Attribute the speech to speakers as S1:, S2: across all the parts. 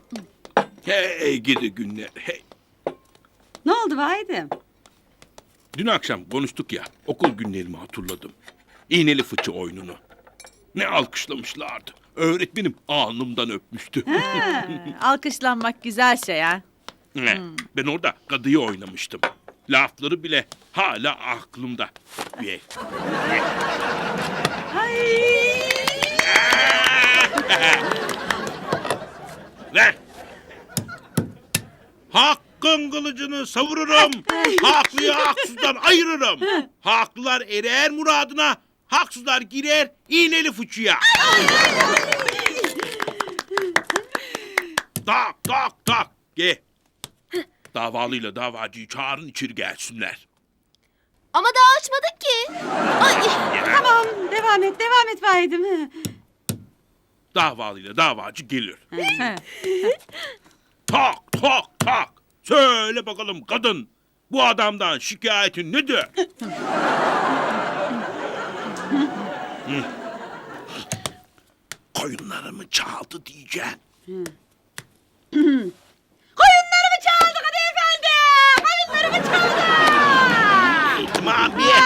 S1: Hey gidi günler. Hey.
S2: Ne oldu Vahidim?
S1: Dün akşam konuştuk ya. Okul günlerimi hatırladım. İğneli fıçı oyununu. Ne alkışlamışlardı. Öğretmenim alnımdan öpmüştü.
S3: Alkışlanmak güzel şey ha.
S1: Ben orada kadıyı oynamıştım. Lafları bile hala aklımda. Ve Ver. Hakkın kılıcını savururum. Haklıyı haksızdan ayırırım. Haklılar erer muradına. Haksızlar girer iğneli fıçıya. Tak tak tak. Gel. Davalıyla davacıyı çağırın içeri gelsinler.
S4: Ama daha açmadık ki.
S2: Tamam devam et Vahidim.
S1: Davalıyla davacı gelir.
S3: He.
S1: Tak tak tak. Söyle bakalım kadın. Bu adamdan şikayetin nedir? Koyunlarımı çaldı diyeceksin.
S2: Koyunlarımı çaldı hadi efendi. Koyunlarımı çaldı.
S1: Tamam bir.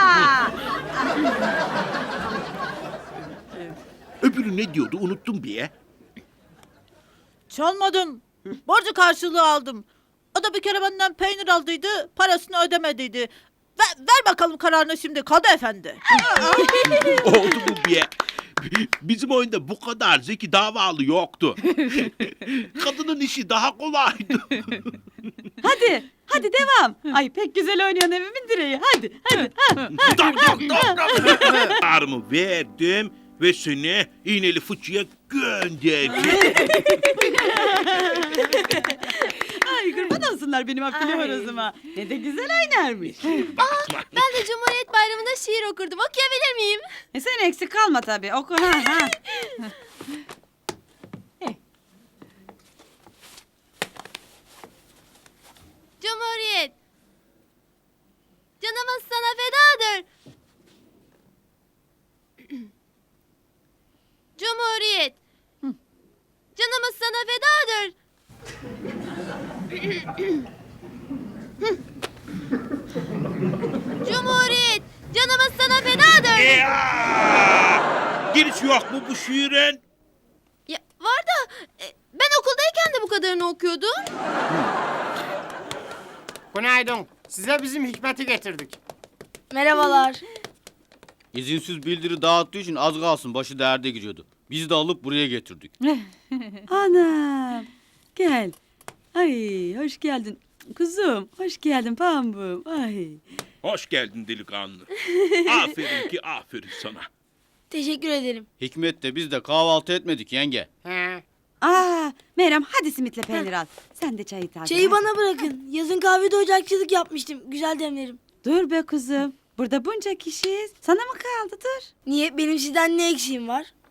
S1: Öbürü ne diyordu unuttum bir.
S3: Çalmadım. Borcu karşılığı aldım. O da bir kere benden peynir aldıydı, parasını ödemediydi. Ver bakalım kararını şimdi Kadı Efendi.
S1: Oldu bu bir. Bizim oyunda bu kadar zeki davalı yoktu. Kadının işi daha kolaydı.
S2: Hadi devam. Ay pek güzel oynuyorsun evimin direği. Hadi.
S1: Tak tak tak tak. Karımı verdim ve seni iğneli fıçıya gönderdim.
S2: Ay kurban olsunlar benim affili horozuma. Ne de güzel oynarmış.
S4: Ben de Cumhuriyet Bayramı'nda şiir okurdum. Okuyabilir miyim?
S2: Sen eksik kalma tabii. Oku ha.
S4: Cumhuriyet. Canımız sana fedadır. Cumhuriyet. Canımız sana fedadır. Cumhuriyet. Canımız sana fedadır.
S1: Giriş yok mu bu şiirin?
S4: Ya, var da ben okuldayken de bu kadarını okuyordum.
S5: Günaydın. Size bizim Hikmet'i getirdik.
S4: Merhabalar.
S6: İzinsiz bildiri dağıttığı için az kalsın başı derde giriyordu. Biz de alıp buraya getirdik.
S2: Anam. Gel. Ay hoş geldin. Kuzum hoş geldin pambuğum. Ay.
S1: Hoş geldin delikanlı. Aferin ki aferin sana.
S4: Teşekkür ederim.
S6: Hikmet de biz de kahvaltı etmedik yenge.
S5: He.
S2: Meryem hadi simitle peynir al. Sen de çayı taze.
S7: Çayı bana bırakın. Yazın kahvede ocakçılık yapmıştım. Güzel demlerim.
S2: Dur be kuzum. Burada bunca kişiyiz. Sana mı kaldı dur.
S7: Niye? Benim sizden ne eksiğim var?